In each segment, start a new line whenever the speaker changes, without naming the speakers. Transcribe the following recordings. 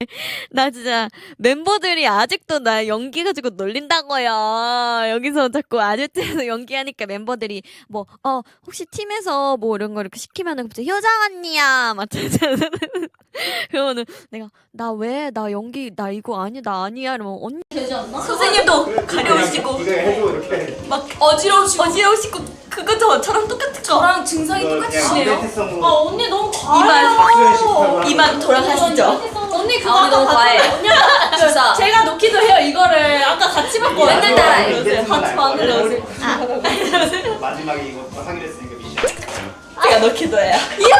나 진짜 멤버들이 아직도 나 연기 가지고 놀린다고요. 여기서 자꾸 아재트에서 연기하니까 멤버들이 뭐 혹시 팀에서 뭐 이런 거 이렇게 시키면은 갑자기 효정 언니야 막 그러면은 내가 나 왜 나 연기 나 이거 아니야 나 아니야 이러면 언니
되지 않나?
선생님도 가려우시고
네가 해줘 이렇게.
막 어지러우시고 그거 저처럼 똑같은 거
저랑 증상이 똑같으시네요.
아
언니 너무 과해요.
이만 돌아가시죠.
언니 그거
언니 너무 과해.
언니가
진짜.
제가 놓기도 해요. 이거를 아까 같이 봤거든요.
맨날 따라해.
같이 만들어주세요.
마지막에 이거 하기로 했으니까 미션.
제가 넣기도 해요.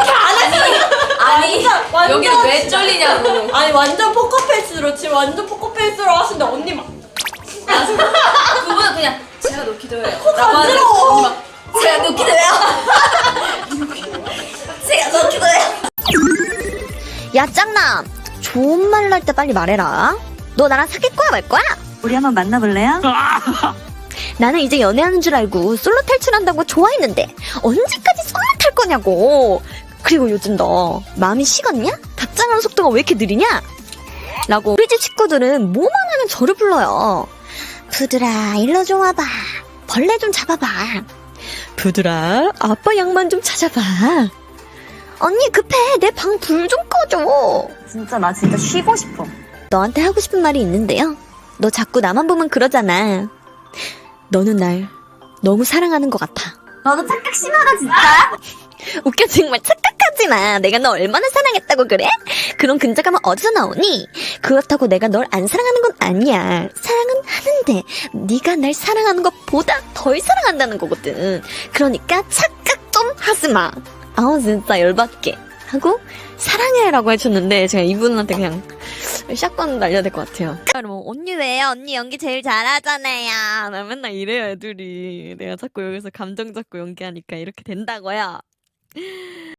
아니 여기를 왜 쫄리냐고.
아니 완전 포커페이스로 지금 완전 포커페이스로 하시는데 언니 막
그분은 그냥 제가 놓기도 해요.
간지러워.
제가 놓기도 해요. 제가 놓기도 해요.
야 짱남 좋은 말로 할 때 빨리 말해라. 너 나랑 사귈 거야 말 거야?
우리 한번 만나볼래요?
나는 이제 연애하는 줄 알고 솔로 탈출한다고 좋아했는데 언제까지 솔로 탈 거냐고. 그리고 요즘 너 마음이 식었냐? 답장하는 속도가 왜 이렇게 느리냐? 라고 우리 집 식구들은 뭐만 하면 저를 불러요. 부드라 일로 좀 와봐. 벌레 좀 잡아봐. 부드라 아빠 양만 좀 찾아봐. 언니 급해 내 방 불 좀 꺼줘.
진짜 나 진짜 쉬고 싶어.
너한테 하고 싶은 말이 있는데요. 너 자꾸 나만 보면 그러잖아. 너는 날 너무 사랑하는 것 같아.
너도 착각 심하다 진짜.
웃겨 정말 착각하지 마. 내가 너 얼마나 사랑했다고 그래? 그런 근자감은 어디서 나오니? 그렇다고 내가 널 안 사랑하는 건 아니야. 사랑은 하는데 네가 날 사랑하는 것보다 덜 사랑한다는 거거든. 그러니까 착각 좀 하지 마. 아우 진짜 열받게 하고 사랑해라고 해줬는데 제가 이분한테 그냥 샷건 날려야 될 것 같아요. 그러면 언니 왜요? 언니 연기 제일 잘하잖아요. 나 맨날 이래요 애들이. 내가 자꾸 여기서 감정 잡고 연기하니까 이렇게 된다고요.